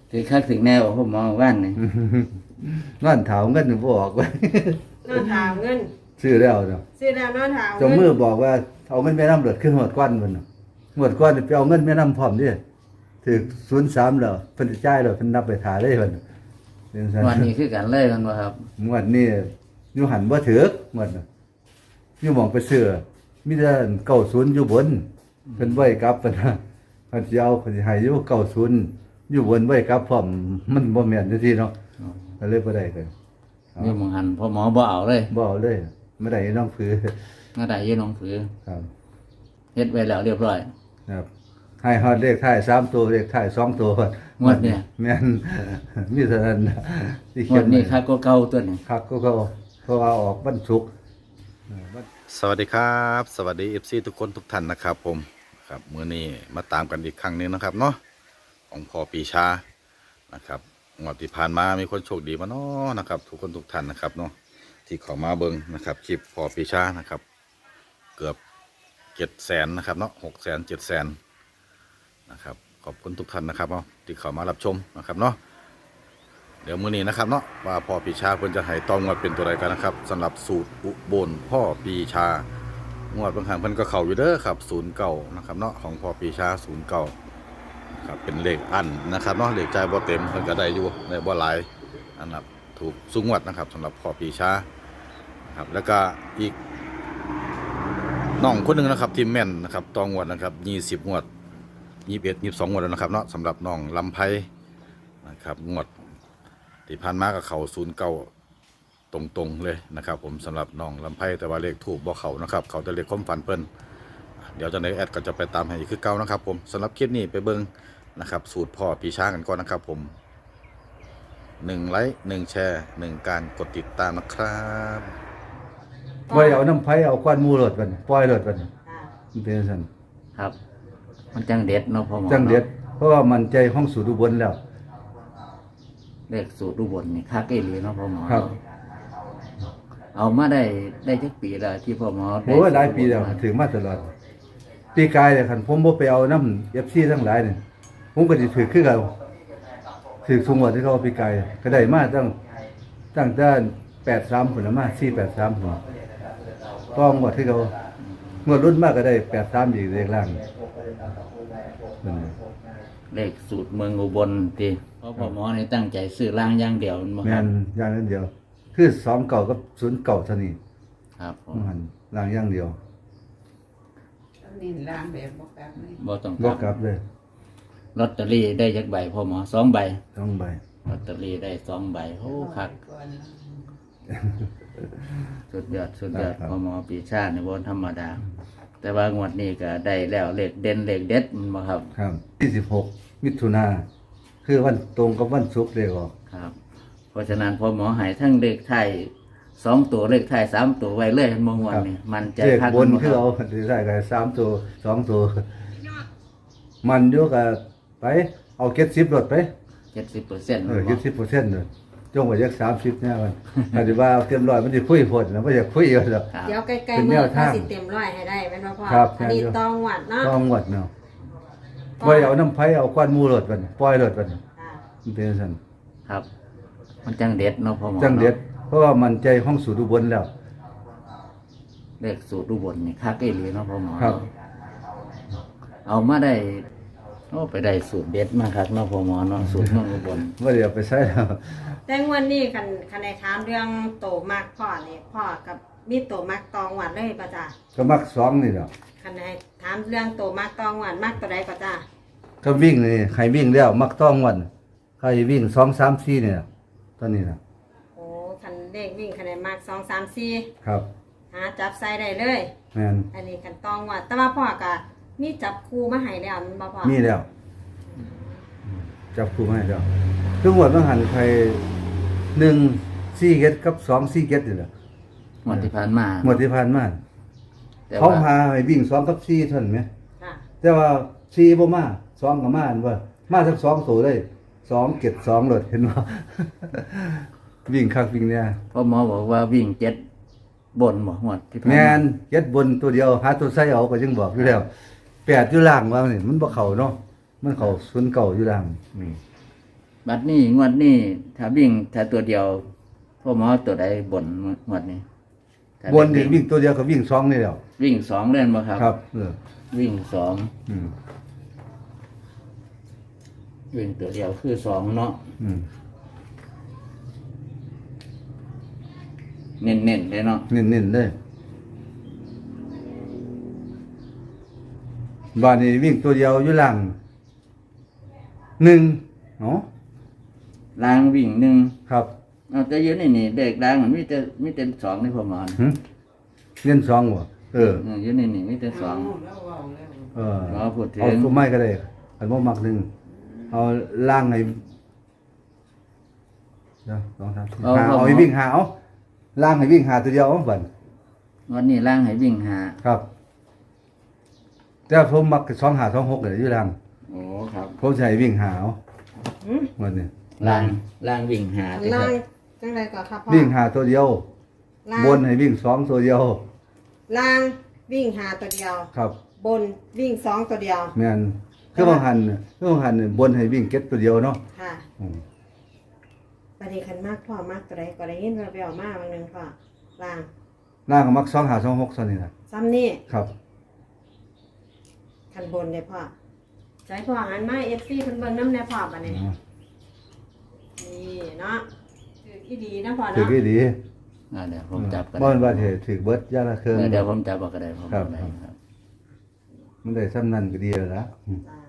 ถือคักถึงแนวพ่อหมอว่านนี่นอนเถาเงินบ่ออกไว้นอนถามเงินซื้อแล้วเนาะซื้อแล้วนอนถามเจามือบอกว่าเอาเงินแม่น้ำเลือดขึ้นหมดก้อนมันน่ะหมดก้อนไปเอาเงินแม่น้ำพร้อมดิถึง03แล้วเพิ่นจ่ายแล้วเพิ่นนับไปถ่ายเลยเพิ่นเป็นซั่นวันนี้คือกันเลยมันบ่ครับงวดนี้อยู่หันบ่ถึกงวดน่ะอยู่หม่องไปซื้อมีแต่90อยู่บนเพิ่นไว้กลับเพิ่นน่ะเพิ่นสิเอาเพิ่นสิให้อยู่90อยู่บนไว้กลับพร้อมมันบ่แม่นจังซี่เนาะก็เลยบ่ได้กันนี่มองหันพ่อหมอบ่เอาเลยบ่เอาเลยไม่ได้น้องผือมาได้อยืนน้องผือครับเฮ็ดไว้แล้วเรียบร้อยครับให้ฮอดเลขท้าย3ตัวเลขท้าย2ตัวงวดเนี่ยแม่น มีเท่านั้นนะที่งเขีวย ดนนี้คักก็เก่าตัวนี้คักก็เพราะว่าออกวันศุกร์สวัสดีครับ สวัสดีFCทุกคนทุกท่านนะครับผมครับมื้อนี้มาตามกันอีกครั้งหนึงนะครับเนาะของพ่อปีชานะครับงวดที่ผ่านมามีคนโชคดีมาเนาะนะครับทุกคนทุกท่านนะครับเนาะที่เข้ามาเบิ่งนะครับคลิปพ่อปีชานะครับเกือบ700,000นะครับเนาะ600,000 700,000นะครับขอบคุณทุกท่านนะครับเนาะที่เข้ามารับชมนะครับเนาะเดี๋ยวมื้อนี้นะครับเนาะว่าพ่อปีชาเพิ่นจะให้ตองวดเป็นตัวใดกันนะครับสำหรับสูตรอุบลพ่อปีชางวดบางครั้งเพิ่นก็เข้าอยู่เด้อครับ09นะครับเนาะของพ่อปีชา09ครับเป็นเลขอันนะครับเนาะเลขจ่ายบ่เต็มเพิ่นก็ได้อยู่ได้บ่หลายนะครับถูกสูงงวดนะครับสำหรับพ่อปีชานะครับแล้วก็อีกน้องคนหนึงนะครับที่แม่นนะครับตองวดนะครับ20งวด21 22งวดแล้วนะครับเนาะสำหรับน้องลำไพนะครับงวดที่ผ่านมาก็เข้า09ตรงๆเลยนะครับผมสำหรับน้องลำไพแต่ว่าเลขถูกบ่เข้านะครับเขาจะเลขความฝันเพิ่นเดี๋ยวจะในแอดก็จะไปตามให้อีกคือเก่านะครับผมสำหรับคลิปนี้ไปเบิ่งนะครับสูตรพ่อปีชากันก่อนนะครับผม1ไลค์1แชร์1การกดติดตามนะครับบ่ได้เอาน้ำไผเอาก้อนหมู่รถมันปล่อยรถมันค่ะมันเป็นซั่นครับ มันจังเด็ดเนาะพ่อหมอจังเด็ดเพราะว่ามันใจห้องสูตรอุบลแล้วเลขสูตรอุบลนี่คักอีหลีเนาะพ่อหมอครับเอามาได้จักปีแล้วที่พ่อหมอได้โอ้ยหลายปีแล้วถึงมาตลอดปีกายเนี่ยคันผมบ่ไปเอาน้ำ FC ทั้งหลายนี่ผมก็สิถือคือเก่าถือสูงกว่าที่เขาเอาปีกายก็ได้มาตั้งแต่83พุ่นละมา483พุ่นต้องกว่าที่เขางวดรุ่นมากก็ได้83อีกเลขล่างนั่นน่ะเลขสูตรเมืองอุบลติเพราะพ่อหมอนี่ตั้งใจซื้อล่างอย่างเดียวบ่คแม่รับนอย่างนั้นเดียว คือ2เก่ากับ0เก่าเท่านี้ครับผมมันล่างอย่างเดียวนี่ล้างแบบบอกแบบนี้บ่ต้องบ่กกลัลับบเลยลอตเตอรี่ได้จักใบพ่อหมอ2ใบ 2ใบลอตเตอรี่ได้2ใบโอ้คักก่อนสุดยอดพ่อหมอปีชาในบนธรรมดา แต่ว่างวดนี้ก็ได้แล้วเลขเด่นเลขเด็ดมันบ่ครับครับ26มิถุนาคือวันตรงกับวันศุกร์เลยออกครับ เพราะฉะนั้นพ่อหมอให้ทั้งเลขไทย2ตัวเลขไทย3ตัวไว้เลยเมื่อวันนี้มันใจเลขคักบนบ่คือรับเอาได้กัน3ตัว2ตัวมันอยู่กับไปเอา70รถไป 70% 70%เลยจงไว้จัก30แน่มันถ้าสิว่าเอาเต็มร้อยมันสิคุยโพดนะบ่อยากคุยกันดอกครับเดี๋ยวใกล้เป็นๆแนมือวถ้าทางสิเต็มร้อยให้ได้เป็นว่าพ่อครับอันนี้แม่นอยู่ตองหวัดเนาะต้องงวดเนาะบ่ได้เอาน้ำไผเอาก้อนหมู่รถมันปล่อยรถมันค่ะมันเป็นซั่นครับ มันจังเด็ดเนาะพ่อหมอจังเด็ดเพราะว่ามันใจห้องสูตรอุบลแล้วเลขสูตรอุบลนี่คักอีหลีเนาะพ่อหมอครับเอามาได้โอ้ไปได้สูตรเด็ดมาครับเนาะพ่อหมอเนาะสูตรเมืองอุบลบ่ได้เอาไปใช้แล้วแต่งวันนี้คันในถามเรื่องโตมากพ่อนี่พ่อกับมีโตมากตองหวัดเลยป่ะจ้าก็มัก2นี่แหละคันในถามเรื่องโตมากตองหวัดมากตัวใดป่ะจ้าก็วิ่งนี่ใครวิ่งแล้วมักต้องวันใครวิ่ง2 3 4นี่ล่ะตอนนี้น่ะโอ้คันเลขวิ่งคันในมาก2 3 4 ครับหาจับใส่ได้เลยแม่นอันนี้คันตองหวัดแต่ว่าพ่อก็มีจับคู่มาให้แล้วมันบ่พ่อมีแล้วจับคู่ให้แล้วทุกงวดบางหันใคร1 4เกตกับ2 4เกตนี่แหละงวดที่ผ่านมางวดที่ผ่านมาแต่เขาว่าพาให้วิ่ง2กับ4เท่านั้นไหมค่ะแต่ว่า4บ่มา2ก็มาอันว่ามาทั้ง2ตัวเลย2เกต2รถเห็นบ่ วิ่งคักวิ่งเนี่ยพ่อหมอบอกว่าวิ่ง7บนบ่งวดที่ผ่านแม่มานเย็ดบนตัวเดียวหาตัวใส่เอาก็ยังบอกอยู่แล้ว8อยู่ล่างว่านี่มันบ่เข้าเนาะมันเข้า0เก่าอยู่ล่างนี่บัดนี้งวดนี้ถ้าวิ่งถ้าตัวเดียวพ่อหมอตัวใดบนงวดนี้ถ้าบนนี่วิ่งตัวเดียวก็วิ่ง2นี่แหล้ววิ่งสองเล่นบ่ครับครับวิ่งสองอืมวิ่งตัวเดียวคือสองเนาะอืมเน้นๆเลยเนาะเน้นๆเลยบ้านนี้วิ่งตัวเดียวอยู่หลัง1เนาะล้างวิ่งหนึ่งครับเอาแต่ยืนนี่เด็กล้างมันมีแต่สองนี่พ่อหมอนะหึเน้น2บ่ยืนนี่มีแต่สอง เราพูดถึงเอาตัวไม้ก็ได้อันบ่มักหนึ่งเอาล่างให้เดี๋ยว2 3 4เอาให้วิ่งหาเอาล่างให้วิ่งหาตัวเดียวเอาบัดวันนี้ล้างให้วิ่งหาครับแต่ผมมัก2 5 2 6เลยอยู่ล่างโอ้ครับผมสิให้วิ่งหาเอาหืมวันนี้ล้างวิ่งหาสิคล่ารับงจังไรก่อนครับพ่อวิ่งหาตัวเดียวล่างบนให้วิ่ง2ตัวเดียวล่างวิ่งหาตัวเดียวครับบนวิ่ง2ตัวเดียวแม่นคือบางหันนี่บนให้วิ่งเก็ตตัวเดียวเนาะค่ะอืมประเดี๋ยวคันมากพ่อมากตัวใดก็ได้ยินแววๆมากบางนึงพ่อล่างล่างก็มัก2 5 2 6ซั่นนี่ล่ะซ้ำนี่ครับคันบนเลยพ่อใจพ่อหันมาเอฟซีเพิ่นเบิ่งน้ำในพ่อบัดนี้นี่เนาะถือที่ดีนะพ่อถือเนาะกี่ดีเดี๋ยวผมจับกันบ่ว่าสิถือเบิดอย่างละเครื่องเดี๋ยวผมจับเอาก็ได้ผมครับได้ครับมันได้ซ้ำนั้นก็ดีแล้วล่ะอืมจ้า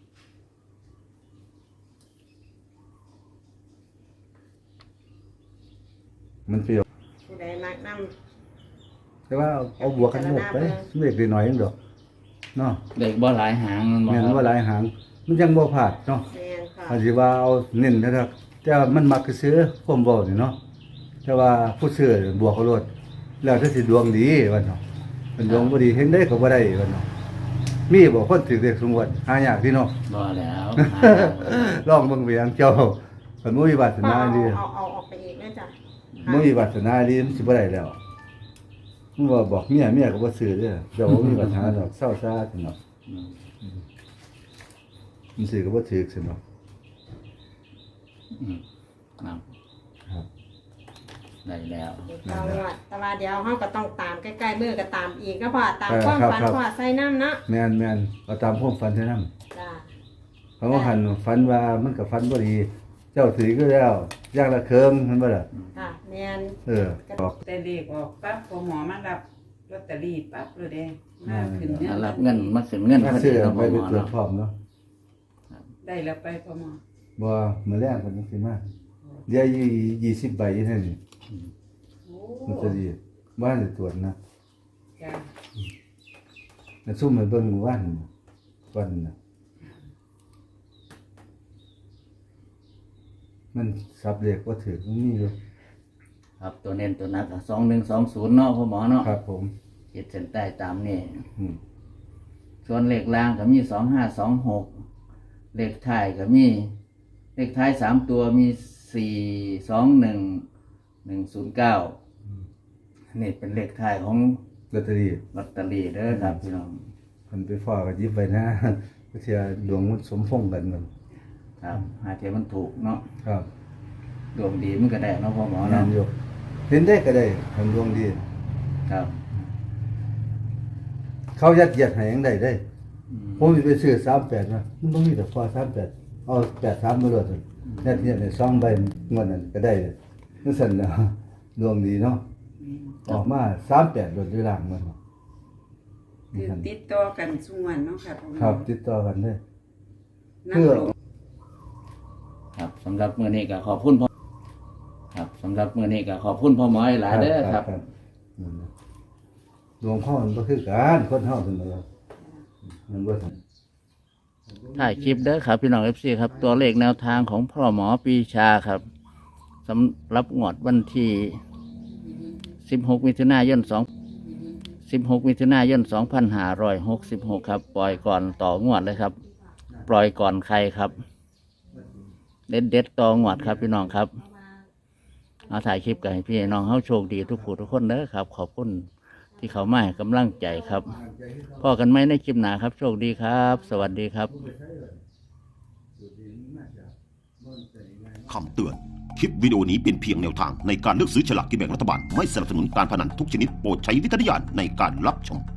มันเปรี้ยวผู้ใดมักน้แต่ว่าเอาบวกกันหมดไปเล็กน้อยๆนึงดอกเนาะเด็กบ่หลายหางมันบ่แม่นครับว่าหลายหาง มันยังบ่พลาดเนาะำแม่นพ่ออาจสิว่าเอาเน้นนะครับแต่ว่ามันมักซื้อความเว้านี่เนาะแต่ว่าผู้ซื้อบวกเขาโลดแล้วถ้าสิดวงดีว่าเนาะมันดวงบ่ดีเฮ็ดได้ก็บ่ได้ว่าเนาะมีบ่คนถือเลขสมมุติหายากพี่เนาะบ่แล้วหาลองเบิ่งเวียงเจ้าเพิ่นบ่มีวาสพ่อนาดีเอาออกไปอีกเลยจ้ะบ่มีวาสนาดีมันสิบ่ได้แล้วมันว่าบอกเมียก็บ่ซื้อเด้อเจ้าบ่มีวาสนาดอกเศร้าซ่าซั่นเนาะอืมมันซื้อก็บ่ถูกซั่นเนาะอืมครับครับได้แล้วเอาล่ะแต่ว่าเดี๋ยวเฮาก็ต้องตามใกล้ๆมือก็ตามอีกก็พ่อตามความฝันพ่อใส่น้ำเนาะแม่นๆเอาตามความฝันเท่านั้นจ้าเพราะว่าหันฝันว่ามันก็ฝันบ่ดี เจ้าถือก็แล้วอย่างละเครื่องมันบ่ล่ะค่ะแม่นบอกแต่เลขออกปั๊บพอหมอมารับลอตเตอรี่ปั๊บเลยเด้มาขึ้นเงิอ่ารับนเงินมาขึ้นเงินมาพอดีซื้อเนาะไปพ่อหมอตรวจเนาะพร้อมเนาะได้แล้วไปพอหมอบ่มื้อแรกเพิ่นสิมาเดี๋ยว20ใบอยู่เท่านี้โอ้มันจะดีบ้านจะตรวจนะจ้าแล้วซุ่มให้เบิ่งมื้อวานวันน่ะมันสับเลขบ่ถูกมันมีอยู่ครับตัวเน้นตัวหนักอะ2120เนาะพ่อหมอเนาะครับผมขีดเส้นใต้ตามนี่อืมส่วนเลขล่างก็มี2526เลขท้ายก็มีเลขท้าย3ตัวมี421109นี่เป็นเลขท้ายของลอตเตอรี่ลอตเตอรี่เด้อครับพี่น้องเพิ่นไปฟ้าก็หยิบไว้นะ เพื่อดวงมันสมพงษ์กันมันครับหาเทียมันถูกเนาะครับดวงดีมันก็ได้เนาะพ่อหมอนั่เนาะนอยู่เห็นได้ก็ได้ทำดวงดีครับเขายัดเยียดให้ยังได้ได้อืมผมสิไปซื้อ38นะมันบ่มีแต่พอ38เอา83มาโลดยัดเยียดให้2ใบงวดนั้นก็ได้จังซั่นน่ะดวงดีเนาะออกมา38โดดด้วยล่างมันคือติดต่อกันส่วนเนาะค่ะพ่อหมอครับติดต่อกันเลยนั่งลงครับสำหรับมื้อนี้ก็ขอบคุณพ่อครับสำหรับมื้อนี้ก็ขอบคุณพ่อหมอหลายๆเด้อครับนั่นน่ะดวงพ่อมันบ่คือกันคนเฮาซั่นน่ะมันบ่ซั่นถ่ายคลิปเด้อครับพี่น้อง FC ครับตัวเลขแนวทางของพ่อหมอปีชาครับสำหรับงวดวันที่16มิถุนายน16มิถุนายน2566ครับปล่อยก่อนต่องวดเลยครับ ปล่อยก่อนใครครับ เด็ดต่องวดครับพี่น้องครับเอาถ่ายคลิปกันให้พี่น้องเฮาโชคดีทุกผู้ทุกคนเด้อครับ ขอบคุณที่เขามาให้กำลังใจครับพ่อกันไหมในคลิปหน้าครับ โชคดีครับ สวัสดีครับคำเตือน คลิปวิดีโอนี้เป็นเพียงแนวทางในการเลือกซื้อฉลากกินแบ่งรัฐบาล ไม่สนับสนุนการพนันทุกชนิดโปรดใช้วิจารณญาณในการรับชม